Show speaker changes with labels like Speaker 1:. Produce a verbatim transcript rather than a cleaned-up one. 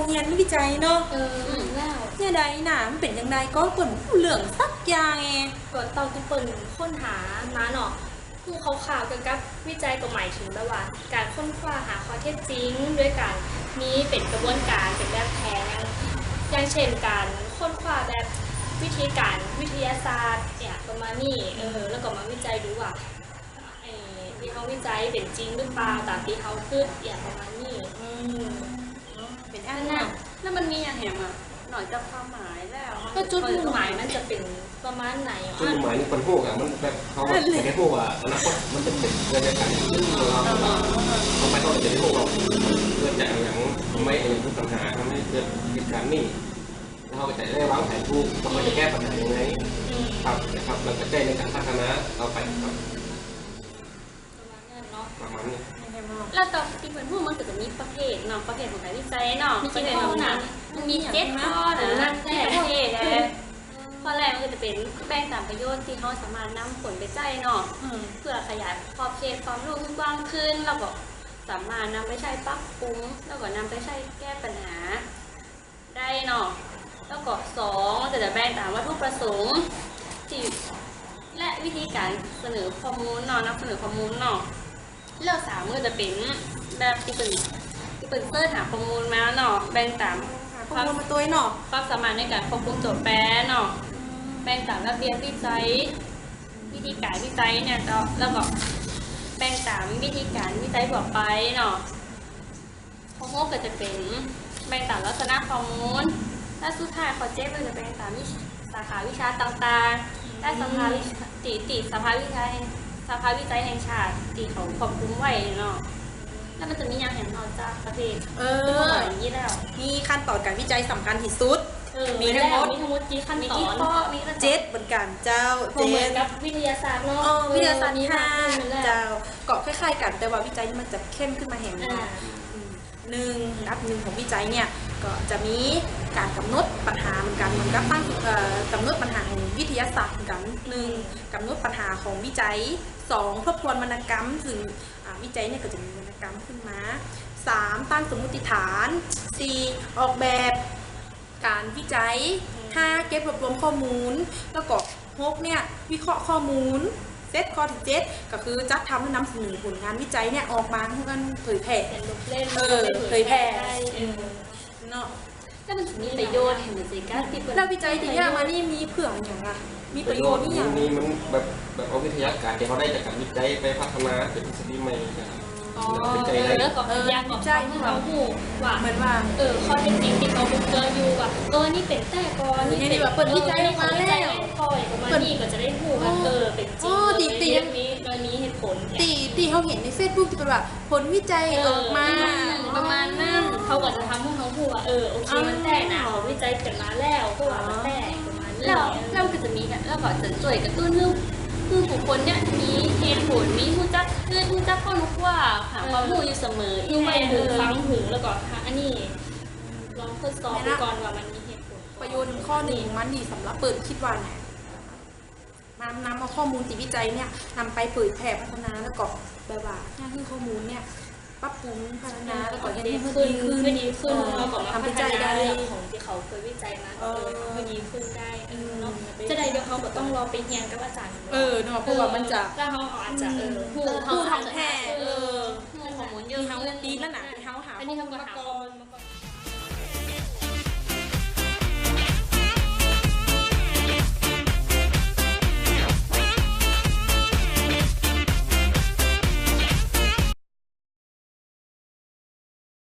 Speaker 1: เรียนวิจัยเนาะ
Speaker 2: เออแล้ว
Speaker 1: เนี่ยใดหนามันเป็นยังไงก็เปิ่นเหลืองสักอย่างไง
Speaker 2: ก่อนตอนที่เปิ่นค้นหามาเนาะผู้เขาข่าวเกี่ยวกับวิจัยก็หมายถึงแบบว่าการค้นคว้าหาข้อเท็จจริงด้วยการมีเป็นกระบวนการเป็นแบบแผนอย่างเช่นการค้นคว้าแบบวิธีการวิทยาศาสตร์เนี่ยประมาณนี้เออแล้วก็มาวิจัยดูว่าไอ้ที่เขาวิจัยเป็นจริงหรือเปล่าตามที่เขาคิดอย่างประมาณนี้
Speaker 1: อืมเป็นอัน
Speaker 3: นั้
Speaker 1: นั้น
Speaker 3: แล้วมันมีอย่างแหมอ่ะหน่อยจะความหมายแล้ว
Speaker 2: ก็จุดมุ่งหมายมันจะเป็นประมาณไหน
Speaker 4: จุดมุ่งหมายนี่คนพวกอ่ะมันแบบเขาไม่ได้พวกอ่ะอนาคตมันจะเป็นเรื่องการเราเขาไปเขาจะได้พวกเราเกิดจากอย่างทำไมอย่างทุกปัญหาทำให้เกิดเหตุการณ์นี้แล้วเขาจะได้วางแผนถูกเขาจะแก้ปัญหายังไงครับนะครับเราจะแก้ในการพัฒนาเราไปครับประมาณนี้
Speaker 3: แล้วตอนที่เป็นผู้มันก็จะมีประเภทเนาะประเภทของการวิจัยเนาะ
Speaker 2: มีกี่ข้อนะ
Speaker 3: มันมีเจ็ดข้อนะนั่นแหละประเภทเลยข้อแรกมันก็จะเป็นแบ่งตามประโยชน์ที่เขาสามารถนำผลไปใช้เนาะเพื่อขยายขอบเขตความรู้กว้างขึ้นแล้วก็สามารถนำไปใช้ปรับปรุงแล้วก็นำไปใช้แก้ปัญหาได้เนาะแล้วก็สองก็จะแบ่งตามวัตถุประสงค์ที่และวิธีการเสนอข้อมูลเนาะนำเสนอข้อมูลเนาะเลือกสามก็จะเป็นแบบที่เป็นที่เป็นเสิร์ชหาข้อมูลมาเนาะแบ่งตาม
Speaker 1: ความมาตัวเนาะ
Speaker 3: ความสามารถในการควบคุมโจทย์แปรเนาะแบ่งตามระเบียบวิจัยวิธีการวิจัยเนี่ยแล้วก็แบ่งตามวิธีการวิจัยบอกไปเนาะข้อหกก็จะเป็นแบ่งตามลักษณะข้อมูลและสุดท้ายข้อเจ็ดก็จะแบ่งตามสาขาวิชาต่างๆและสภาวิติติสภาวิจัยสภาวิจัยแห่งชาติที่เขาควบคุมไว้เนาะแล้วมันจะมีอย่างเห็นนอกจากประเทศ
Speaker 1: เออ
Speaker 3: อย่างนี้แล้ว
Speaker 1: มีขั้นตอนการวิจัยสำคัญที่สุด
Speaker 2: มีทั้งหมดมีทั้งหมดกี่ขั้นตอน
Speaker 1: มีเจ็ดเหมือนกันเจ้า
Speaker 2: เจ็ดกับวิทยาศาสตร์เนาะ
Speaker 1: วิทยาศาสตร์นี่ห้าเจ้าเกาะคล้ายๆกันแต่ว่าวิจัยมันจะเข้มขึ้นมาแห่งหนึ่งหนึ่งอันหนึ่งของวิจัยเนี่ยก็จะมีการกำหนดปัญหาเหมือนกันเหมือนกับตั้งกำหนดปัญหาของวิทยาศาสตร์เหมือนกันหนึ่งกำหนดปัญหาของวิจัยสองทบทวนวรรณกรรมถึงวิจัยเนี่ยก็จะมีวรรณกรรมขึ้นมาสามตั้งสมมติฐานสี่ออกแบบการวิจัยห้าเก็บรวบรวมข้อมูลแล้วก็หกเนี่ยวิเคราะห์ข้อมูลเซตข้อที่เจ็ดก็คือจัดทำและนำเสนอผลงานวิจัยเนี่ยออกมาให้กันเผยแพร่
Speaker 2: เป็นลูกเล่น
Speaker 1: เออเผยแพร่เนาะ
Speaker 3: แล้วมันมีประโยชน์เห็นไหมสิการที่
Speaker 1: แล้ววิจัยที่ยากมานี่มีเผื่ออย่างไรมีประโยชน์นี่อย่าง
Speaker 4: นี้มันแบบแบบเอาวิทยาการที่เขาได้จากการวิจัยไปพัฒนาเป็นทฤษฎีใหม่
Speaker 2: วิจัยอะไรแล้วก็พยายามบอกให้เราหูว่าเหมือนว่าเออข้อเท็จจริงที่เขาบุกเจออยู่ว่าเออนี่เป็นแต่ก่อน
Speaker 1: นี่เป็นแบบเปิดวิจัยมาแล้ว
Speaker 2: พออย่างประมาณนี้ก็จะได้หูว่าเออเป็นจริง
Speaker 1: ตีตี
Speaker 2: นี้โดยมีเหตุผล
Speaker 1: ตีตีเขาเห็นในเฟซบุ๊กที่เป็นว่าผลวิจัยออกมา
Speaker 2: ประมาณนั้นเขาก็จะทำให้เขาหูว่าเออโอเคมันแต่นะเขาวิจัยกันมาแล้วก็ว่ามันแต่ประมาณนี้
Speaker 3: แล้วแล้วก็จะมีแล้วก็จะช่วยกระตุ้นเรื่องคือบุคคลเนี่ยมีเหตุผลมีผู้จักคือผู้จักก็รู้ว่าหาความรู้อยู่เสมอ
Speaker 2: อีกไม่ถึงฟังถึงแล้วก็อันนี้ลองทดสอบดูก่อนว่ามันมีเหตุผล
Speaker 1: ประโยชน์ข้อหนึ่งมันดีสำหรับเปิดคิดว่าไงนำนำเอาข้อมูลที่วิจัยเนี่ยนำไปเผยแพร่พัฒนาแล้วก็แบบว่าเนี่ยคือข้อมูลเนี่ยปรับปรุงพัฒนาแล้วก็
Speaker 2: ดีขึ้นขึ้นดีขึ้นเราก็มาพัฒนาเรื่องของที่เขาเคยวิจัยมาเออให้ดีขึ้นได้เนาะจะได้เดี๋ยวเขาก็ต้องรอไปเรียนกับอาจารย์
Speaker 1: เออเนาะเพราะว่ามันจะ
Speaker 2: ถ้าเขาอาจจะเออ
Speaker 1: ผู้ผู้ทำแท้เออ
Speaker 3: ข้อมูลเยอะ
Speaker 1: เขาดีแล้วหนาที่เขาหา
Speaker 2: อันนี้ทำมาก่อน